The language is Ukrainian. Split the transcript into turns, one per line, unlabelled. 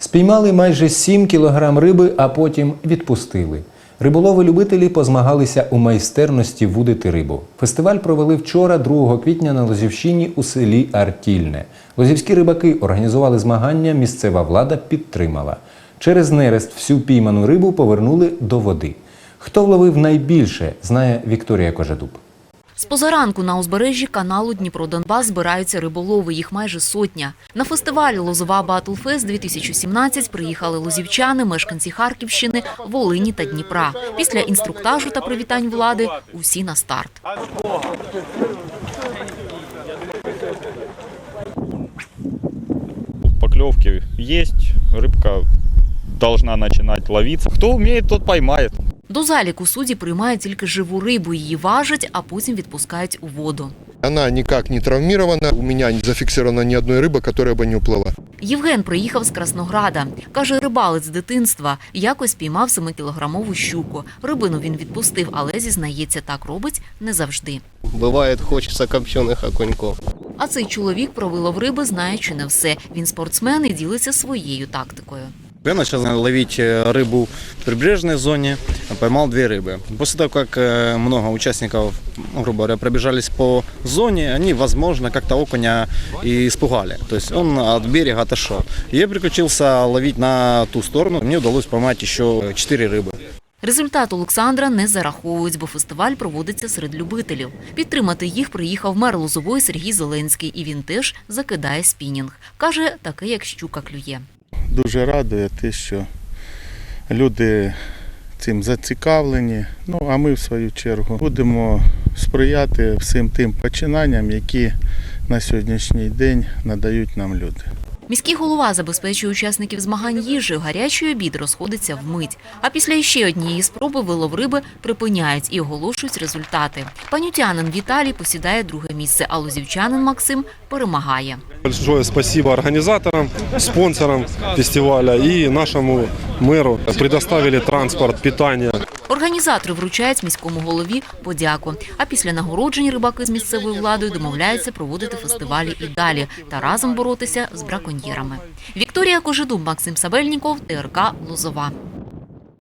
Спіймали майже 7 кілограм риби, а потім відпустили. Риболови-любителі позмагалися у майстерності вудити рибу. Фестиваль провели вчора, 2 квітня, на Лозівщині у селі Артільне. Лозівські рибаки організували змагання, місцева влада підтримала. Через нерест всю пійману рибу повернули до води. Хто вловив найбільше, знає Вікторія Кожедуб.
З позаранку на узбережжі каналу Дніпро-Донбас збираються риболови, їх майже сотня. На фестивалі «Лозова Батлфест-2017» приїхали лозівчани, мешканці Харківщини, Волині та Дніпра. Після інструктажу та привітань влади усі на старт.
Поклевки есть, рыбка должна начинать ловиться. Кто умеет, тот поймает.
До заліку судді приймають тільки живу рибу, її важать, а потім відпускають у воду.
Она никак не травмирована, у меня не зафиксирована ни одной рыбы, которая бы не уплыла.
Євген приїхав з Краснограда. Каже, рибалець з дитинства. Якось піймав 7-кілограмову щуку. Рибину він відпустив, але, зізнається, так робить не завжди.
Буває, хочеться копчених окуньків.
А цей чоловік про вилов риби знає чи не все. Він спортсмен і ділиться своєю тактикою.
Я начал ловить рыбу в прибрежной зоне, поймал 2 рыбы. После того, как много участников, грубо говоря, пробежались по зоне, они, возможно, как-то окуня и испугали. То есть он от берега отошел. Я переключился ловить на ту сторону. Мне удалось поймать еще 4 рыбы.
Результат Олександра не зараховують, бо фестиваль проводиться серед любителів. Підтримати їх приїхав мер Лозової Сергій Зеленський, і він теж закидає спінінг. Каже, таке як щука клює.
Дуже радує те, що люди цим зацікавлені. А ми, в свою чергу, будемо сприяти всім тим починанням, які на сьогоднішній день надають нам люди.
Міський голова забезпечує учасників змагань їжею, гарячий обід розходиться вмить. А після ще однієї спроби вилов риби припиняють і оголошують результати. Панютянин Віталій посідає 2-е місце, а лозівчанин Максим перемагає.
Большое спасибо организаторам, спонсорам фестиваля и нашему мэру. Предоставили транспорт, питание.
Організатори вручають міському голові подяку. А після нагороджень рибаки з місцевою владою домовляються проводити фестивалі і далі та разом боротися з браконьєрами. Вікторія Кожедуб, Максим Сабельніков, ТРК Лозова.